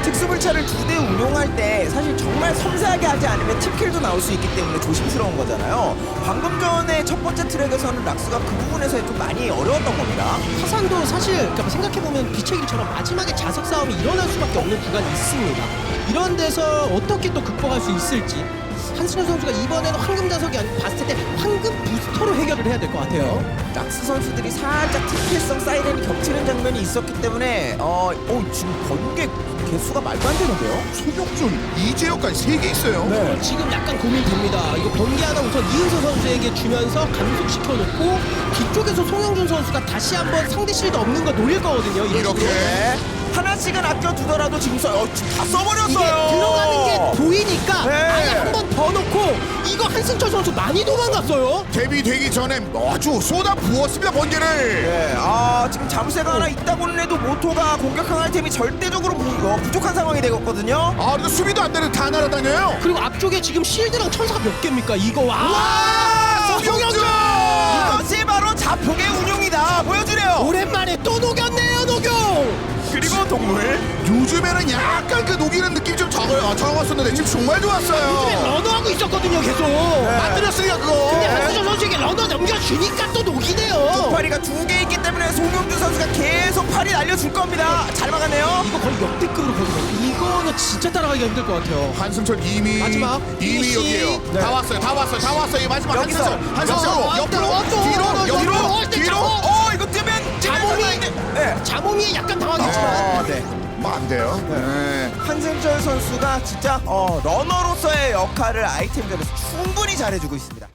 특수불차를 2대 운용할 때 사실 정말 섬세하게 하지 않으면 팀킬도 나올 수 있기 때문에 조심스러운 거잖아요. 방금 전에 첫 번째 트랙에서는 락스가 그 부분에서 좀 많이 어려웠던 겁니다. 화산도 사실 그러니까 생각해보면 빛의 길처럼 마지막에 자석 싸움이 일어날 수밖에 없는 구간이 있습니다. 이런 데서 어떻게 또 극복할 수 있을지 한승현 선수가 이번에는 황금 자석이 아니고 봤을 때 황금 부스터로 해결을 해야 될 것 같아요. 락스 선수들이 살짝 TPS성 사이렌이 겹치는 장면이 있었기 때문에 지금 번개 개수가 말도 안 되는데요? 소격준 이재혁까지 3개 있어요. 네. 지금 약간 고민됩니다. 이거 번개 하나 우선 이은서 선수에게 주면서 감속시켜놓고 뒤쪽에서 송영준 선수가 다시 한번 상대 실드 없는 거 노릴 거거든요. 이런 이렇게. 식으로. 네. 하나씩은 아껴두더라도 지금 지금 다 써버렸어요. 이게 들어가는 게 보이니까 네. 아예 한 번 더 놓고 이거 한승철 선수 많이 도망갔어요. 데뷔되기 전에 아주 쏟아 부었습니다, 번개를. 네, 지금 잠새가 하나 있다고는 해도 모토가 공격형 아이템이 절대적으로 부족한 상황이 되었거든요. 그래도 수비도 안 되는 다 날아다녀요. 그리고 앞쪽에 지금 실드랑 천사가 몇 개입니까? 이거 송영준! 이것이 바로 자폭의 운용이다. 보여주래요. 오랜만에 또 녹였네요, 녹용. 그리고 동물. 요즘에는 약간 그 녹이는 느낌 좀 적었었는데 지금 정말 요즘에 좋았어요. 러너하고 있었거든요, 계속. 만들었으니까 그거. 근데 한승철 선수에게 러너 넘겨주니까 또 녹이네요. 파리가 2개 있기 때문에 송영준 선수가 계속 팔이 날려줄 겁니다. 잘 막았네요. 이거 거의 역대급으로 거든요. 이거는 진짜 따라가기가 힘들 것 같아요. 한승철 이미 마지막 이미 피니시. 여기에요. 네. 다 왔어요. 이 마지막 여기서. 한승철 옆으로 뒤로 이거 뜨면 자몽이 약간 당황했지만 네. 뭐 안 돼요. 네. 한승철 선수가 진짜 러너로서의 역할을 아이템전에서 충분히 잘해주고 있습니다.